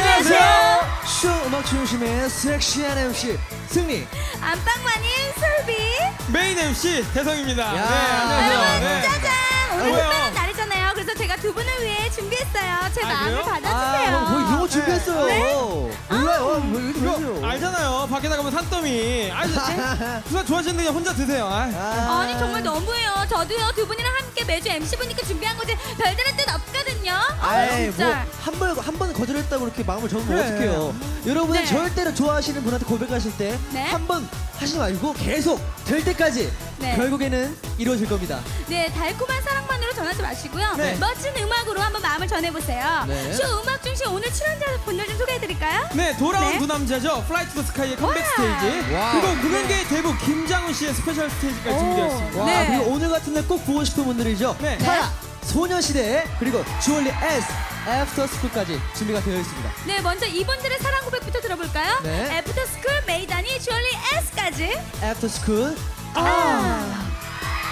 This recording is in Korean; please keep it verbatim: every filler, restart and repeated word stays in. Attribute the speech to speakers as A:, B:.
A: 안녕하세요.
B: 쇼 음악 중심의 섹시한 엠씨 승리.
C: 안방마님 솔비.
A: 메인 엠씨 대성입니다.
B: 야.
A: 네,
C: 여러분
A: 안녕하세요. 네.
C: 짜잔. 오늘
A: 뭐예요?
C: 특별한 날이잖아요. 그래서 제가 두 분을 위해 준비했어요. 제
A: 아,
C: 마음을
A: 그래요?
C: 받아주세요.
B: 아, 뭐 이런 거 준비했어요.
C: 네?
B: 몰라요. 뭐 이렇게
A: 이거
B: 보세요.
A: 알잖아요. 밖에 나가면 산더미. 아, 누가 좋아하시는데 그냥 혼자 드세요. 아.
B: 아.
C: 아니 정말 너무해요. 저도요 두 분이랑 함께 매주 엠씨 보니까 준비한 거지 별다른 뜻 없거든요.
B: 아이
C: 진짜.
B: 뭐한번한 번 거절했다고 이렇게 마음을 접으면
A: 그래.
B: 어떡해요. 여러분은
C: 네.
B: 절대로 좋아하시는 분한테 고백하실 때
C: 네.
B: 한 번 하지 말고 계속 될 때까지
C: 네.
B: 결국에는 이루어질 겁니다.
C: 네, 달콤한 사랑만으로 전하지 마시고요.
B: 네.
C: 멋진 음악으로 한번 마음을 전해보세요.
B: 네.
C: 쇼 음악 중심 오늘 출연자분들 좀 소개해드릴까요?
A: 네, 돌아온
C: 네.
A: 두 남자죠. 플라이 투 더 스카이의 컴백
C: 와.
A: 스테이지.
B: 와.
A: 그리고 무명계의 대부 김장훈 씨의 스페셜 스테이지까지
C: 오.
A: 준비되었습니다.
B: 와
C: 네.
B: 그리고 오늘 같은 날 꼭 보고 싶은 분들이죠.
A: 네.
B: 타야, 소녀시대 그리고 주얼리 S, 애프터스쿨까지 준비가 되어 있습니다.
C: 네, 먼저 이분들의 사랑 고백부터 들어볼까요?
B: 네.
C: 애프터스쿨, 메이다니, 주얼리 S까지.
B: 애프터스쿨
C: 아.